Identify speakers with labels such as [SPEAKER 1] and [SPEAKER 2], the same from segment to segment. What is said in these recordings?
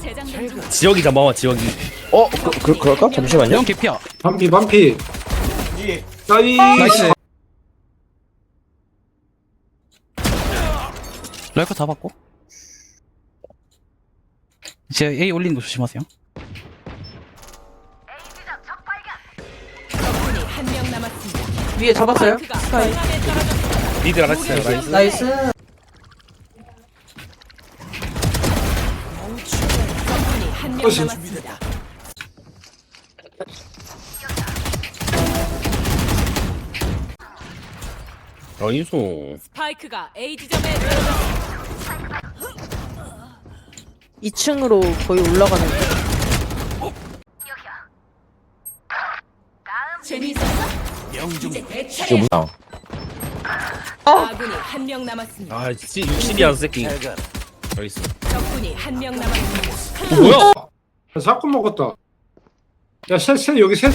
[SPEAKER 1] 재장전 중.
[SPEAKER 2] 지역이 잡아와 지역이.
[SPEAKER 3] 그럴까? 잠시만요.
[SPEAKER 4] 형 개피야.
[SPEAKER 5] 반피 반피 나이
[SPEAKER 4] 나이스. 라이커 잡았고. 이제 A 올리는 거 조심하세요.
[SPEAKER 1] 적군이 한 명 남았습니다.
[SPEAKER 6] 위에 잡았어요?
[SPEAKER 1] 스파이크가
[SPEAKER 6] 스카이.
[SPEAKER 1] 중앙에 떨어졌습니다.
[SPEAKER 2] 니들 알았어요. 나이스.
[SPEAKER 6] 나이스.
[SPEAKER 1] 적군이 한 명
[SPEAKER 5] 어시.
[SPEAKER 1] 남았습니다.
[SPEAKER 2] 나이스.
[SPEAKER 1] 스파이크가 A 지점에 떨어졌습니다.
[SPEAKER 6] 2층으로 거의 올라가는데.
[SPEAKER 1] 재미있었어? 이제 내
[SPEAKER 3] 이거
[SPEAKER 1] 차례야.
[SPEAKER 3] 무상.
[SPEAKER 1] 아군이 한 명 남았습니다.
[SPEAKER 2] 아, 60이야 새끼. 나이스.
[SPEAKER 1] 적군이 한 명 남았습니다.
[SPEAKER 2] 뭐야?
[SPEAKER 5] 사건 먹었다 야셋 여기 셋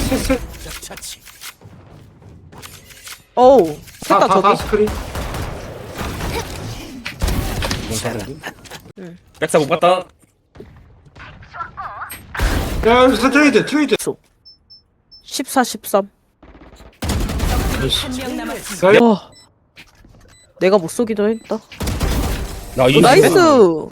[SPEAKER 6] 어우. 셋다
[SPEAKER 5] 다
[SPEAKER 6] 저기.
[SPEAKER 5] 스크린
[SPEAKER 2] 백사 못 봤다.
[SPEAKER 5] 야 여기서 트레이드
[SPEAKER 6] 14, 13.
[SPEAKER 1] 한 명 남았습니다.
[SPEAKER 5] 나이
[SPEAKER 6] 와. 내가 못 쏘기도 했다.
[SPEAKER 2] 나이스.
[SPEAKER 6] 나이스.